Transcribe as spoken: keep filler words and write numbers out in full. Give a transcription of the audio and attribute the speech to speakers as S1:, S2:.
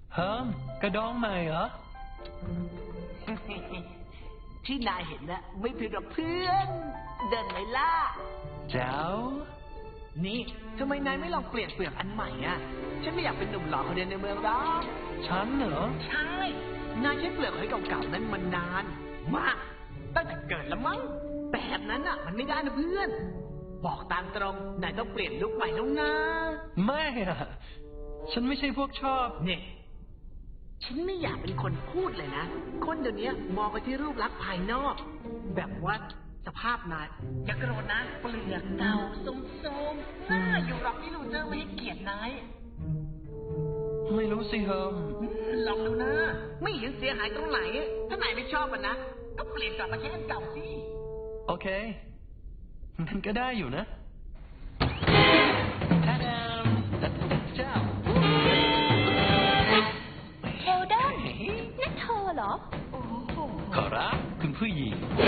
S1: เฮิมกระดองใหม่เหรอ
S2: ที่นายเห็นนะไม่ผิดหรอกเพื่อนเดินไหมล่ะ
S1: แจ๋ว
S2: นี่ทำไมนายไม่ลองเปลี่ยนเปลือกอันใหม่อ่ะฉันไม่อยากเป็นหนุ่มหล่อคนเดียวในเมืองหรอก
S1: ฉันเหรอ
S2: ใช่นายใช้เปลือกหอยเก่าๆนั้นมานานมากตั้งแต่เกิดแล้วมั้งแบบนั้นอ่ะมันไม่ได้นะเพื่อนบอกตามตรงนายต้องเปลี่ยนลุคใหม่แล้วนะ
S1: ไม่อะฉันไม่ใช่พวกชอบ
S2: เนี่ยฉันไม่อยากเป็นคนพูดเลยนะคนเดี๋ยวนี้มองไปที่รูปลักษณ์ภายนอกแบบว่าสภาพนายอย่าโกรธนะเปลือกเก่าโทรมๆน่าอยู่หรอกที่ลูเจอร์ไม่ให้เกียรตินาย
S1: ไม่รู้สิเฮิม
S2: ลองดูนะไม่เห็นเสียหายตรงไหนถ้านายไม่ชอบมันนะก็เปลี่ยนกลับมาใช้อันเก่าสิ
S1: โอเคมันก็ได้อยู่นะท่าดามเจ้า
S3: เฮลดอนนั่นเธอเหรอ
S1: ขอรับคุณผู้หญิง